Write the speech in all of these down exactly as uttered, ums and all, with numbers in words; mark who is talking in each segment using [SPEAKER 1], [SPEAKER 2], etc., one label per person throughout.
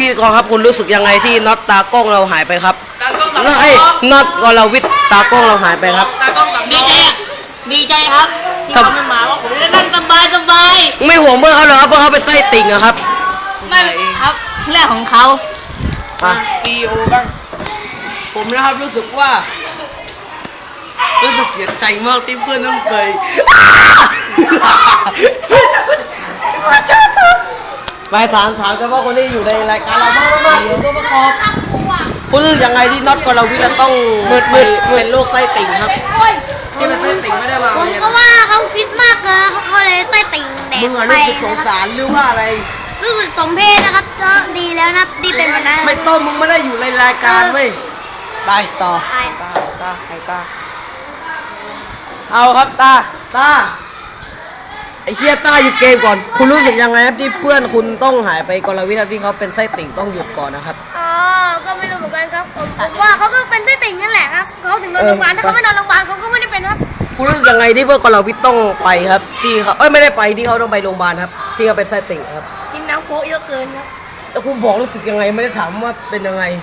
[SPEAKER 1] ธีกรครับคุณรู้สึกยังไงที่น็อตตากล้องเราหายไปครับ
[SPEAKER 2] ตากล้องตัด
[SPEAKER 1] น็อตเอ้ยน็อตกรวิทย์ตากล้องเราหายไปครับ
[SPEAKER 2] ตากล้องตัด
[SPEAKER 3] ดีใจอ่ะดีใจครับที่เขาไม่มาว่าผมจะนั่งสบายสบาย
[SPEAKER 1] ไม่ห่วงเพื่อนเขาเหรอครับเพื่อนเขาเป็นไส้ติ่งอะครับ
[SPEAKER 3] ไม่ครับเรื่องของเขา
[SPEAKER 1] อ่ะ
[SPEAKER 2] ซีอีโอบ้างผมนะครับรู้สึกว่ารู้สึกเสียใจมากที่เพื่อนต้องไป
[SPEAKER 1] ไปถามถามเฉพาะคนที่อยู่ในรายการเราบ้างมากๆตัวประกอบคุณรู้สึกยังไงที่น็อตกรวิทย์จะต้องมืดมืดเป็นโรคไส้ติ่งครับ ที่เป็นไส้ติ่งไม่ได้มา
[SPEAKER 4] ผม
[SPEAKER 1] เรียน
[SPEAKER 4] ก็ว่าเขาคิดมากเกินเขาก็เลยไส้ติ่งแด
[SPEAKER 1] มึ
[SPEAKER 4] ก
[SPEAKER 1] งอะ
[SPEAKER 4] ไป
[SPEAKER 1] รู้สึกสงสารหรือว่าอะไร
[SPEAKER 4] รู้สึกสมเพศนะครับก็ดีแล้วนะที่เป็นแบบนั้น
[SPEAKER 1] ไม่ต้องมึงไม่ได้อยู่ในรายการเว้ยไปต่อ
[SPEAKER 4] ใช่
[SPEAKER 1] ตาตาใครตาเอาครับตาตาไอเชียตาหยุดเกมก่อนคุณรู้สึกยังไงครับที่เพื่อนคุณต้องหายไปกรวิทย์ครับที่เขาเป็นไส้ติ่งต้องหยุดก่อนนะครับ
[SPEAKER 4] อ๋อก็ไม่รู้เหมือนกันครับผมผมว่าเขาก็เป็นไส้ติ่งนั่นแหละครับเขาถึงนอนโรงพยาบาลถ้าเขาไม่นอนโรงพยาบาลเขาก็ไม่ได้เป็นครับ
[SPEAKER 1] คุณรู้สึกยังไงที่เพื่อนกรวิทย์ต้องไปครับ ที่เขาเอ้ยไม่ได้ไปที่เขาต้องไปโรงพยาบาลครับ ที่เขาเป็นไส้ติ่งครับ
[SPEAKER 4] กินน้ำโค้กเยอะเกินครับ
[SPEAKER 1] แล้วคุณบอกรู้สึกยังไงไม่ได้ถามว่าเป็นยังไง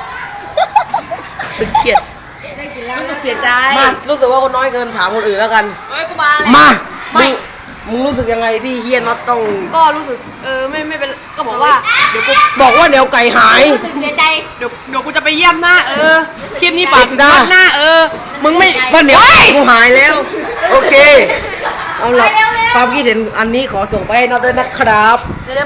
[SPEAKER 1] สึกเครียด
[SPEAKER 3] รู้สึกเสียใจ
[SPEAKER 1] มารู้สึกว่าคนน้อยเกินถามคนอื่นแล้วกัน
[SPEAKER 3] เฮ้ยกูมาเลย
[SPEAKER 1] มา
[SPEAKER 3] ไม่
[SPEAKER 1] มึงมึงรู้สึกยังไงที่เฮียน็อตต้อง
[SPEAKER 2] ก็รู้สึกเออไม่ไม่เป็นก็บอกว่าเดี๋ยวกู
[SPEAKER 1] บอกว่าเดี๋ยวไก่หาย
[SPEAKER 3] รู้สึกเสียใจ
[SPEAKER 2] เดี๋ยวเดี๋ยวกูจะไปเยี่ยมหน้าเออคลิปนี้ปัด
[SPEAKER 1] ได้
[SPEAKER 2] ปัดหน้าเออมึงไม่
[SPEAKER 1] ว่าเดี๋ยวกูหายแล้ว โอเค เอาละความคิดเห็นอันนี้ขอส่งไปให้น็อตด้วยนะครับ